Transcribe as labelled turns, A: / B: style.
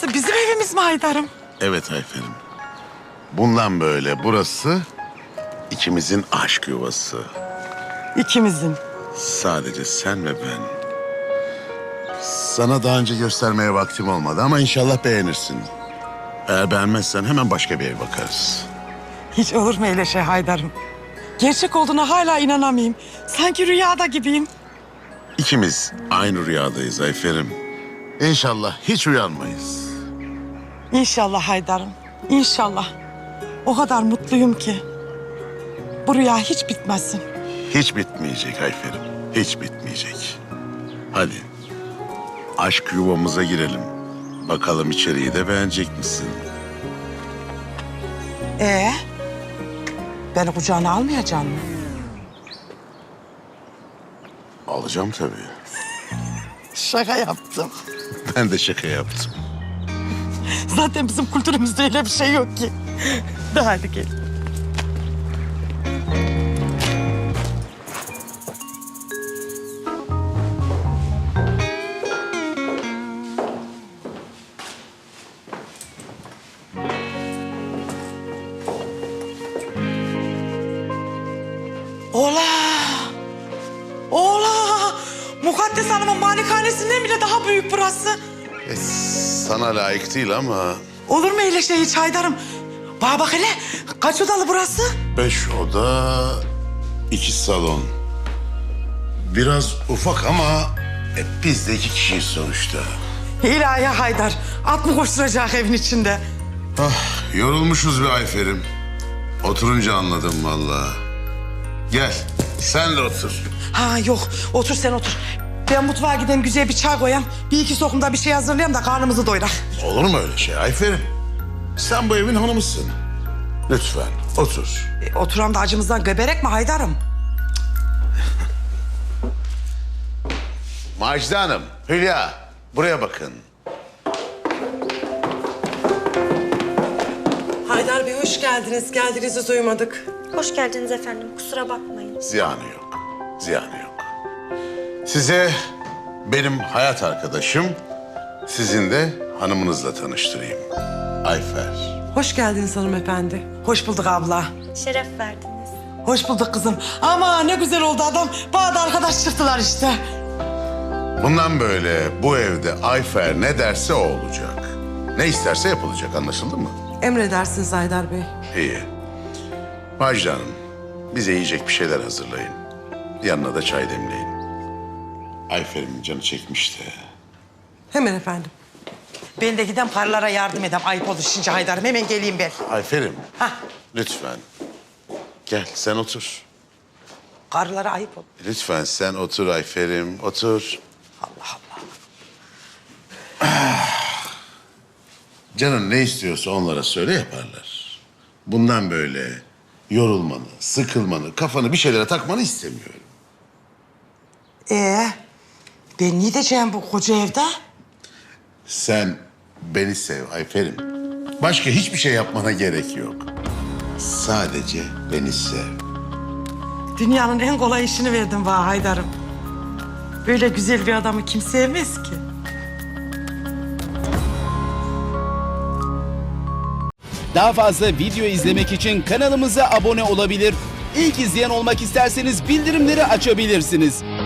A: Burası bizim evimiz mi Haydar'ım?
B: Evet Ayfer'im. Bundan böyle burası ikimizin aşk yuvası.
A: İkimizin.
B: Sadece sen ve ben. Sana daha önce göstermeye vaktim olmadı ama inşallah beğenirsin. Eğer beğenmezsen hemen başka bir ev bakarız.
A: Hiç olur mu öyle şey Haydar'ım? Gerçek olduğuna hala inanamayayım. Sanki rüyada gibiyim.
B: İkimiz aynı rüyadayız Ayfer'im. İnşallah hiç uyanmayız.
A: İnşallah Haydar'ım. İnşallah. O kadar mutluyum ki. Bu rüya hiç bitmesin.
B: Hiç bitmeyecek Ayfer'im. Hiç bitmeyecek. Hadi aşk yuvamıza girelim. Bakalım içeriği de beğenecek misin?
A: Beni kucağına almayacaksın mı?
B: Alacağım tabii.
A: Şaka yaptım.
B: Ben de şaka yaptım.
A: Zaten bizim kültürümüzde öyle bir şey yok ki. De hadi gel. Ola! Ola! Mukaddes Hanım'ın malikanesinden bile daha büyük burası.
B: Sana layık değil ama...
A: Olur mu öyle şey hiç Haydar'ım? Bana bak hele, kaç odalı burası?
B: 5 oda, 2 salon. Biraz ufak ama biz de 2 kişiyiz sonuçta.
A: İlahi Haydar, at mı koşturacak evin içinde?
B: Yorulmuşuz be Ayfer'im. Oturunca anladım vallahi. Gel, sen de otur.
A: Ha yok, otur sen otur. Ben mutfağa gideyim, güzel bir çay koyayım. Bir iki sokumda bir şey hazırlayayım da karnımızı doyurak.
B: Olur mu öyle şey Ayfer'im? Sen bu evin hanımısın. Lütfen otur.
A: Oturan da acımızdan göberek mi Haydar'ım?
B: Macide Hanım, Hülya buraya bakın.
A: Haydar Bey hoş geldiniz. Geldiğinizi duymadık.
C: Hoş geldiniz efendim. Kusura bakmayın.
B: Ziyanı yok, ziyanı yok. Size benim hayat arkadaşım, sizin de hanımınızla tanıştırayım. Ayfer.
A: Hoş geldiniz hanımefendi. Hoş bulduk abla.
C: Şeref verdiniz.
A: Hoş bulduk kızım. Ama ne güzel oldu adam. Bana da arkadaş çıktılar işte.
B: Bundan böyle bu evde Ayfer ne derse o olacak. Ne isterse yapılacak, anlaşıldı mı?
A: Emredersiniz Haydar Bey.
B: İyi. Macide Hanım, bize yiyecek bir şeyler hazırlayın. Yanına da çay demleyin. Ayfer'imin canı çekmişti.
A: Hemen efendim. Ben de giden paralara yardım edeyim. Ayıp olur şimdi Haydar'ım. Hemen geleyim ben.
B: Ayfer'im,
A: Hah.
B: lütfen. Gel, sen otur.
A: Karılara ayıp olur.
B: Lütfen sen otur Ayfer'im, otur.
A: Allah Allah.
B: Canın ne istiyorsa onlara söyle yaparlar. Bundan böyle yorulmanı, sıkılmanı, kafanı bir şeylere takmanı istemiyorum.
A: Ben ne diyeceğim bu koca evde?
B: Sen beni sev Ayfer'im. Başka hiçbir şey yapmana gerek yok. Sadece beni sev.
A: Dünyanın en kolay işini verdim bana Haydar'ım. Böyle güzel bir adamı kim sevmez ki?
D: Daha fazla video izlemek için kanalımıza abone olabilir. İlk izleyen olmak isterseniz bildirimleri açabilirsiniz.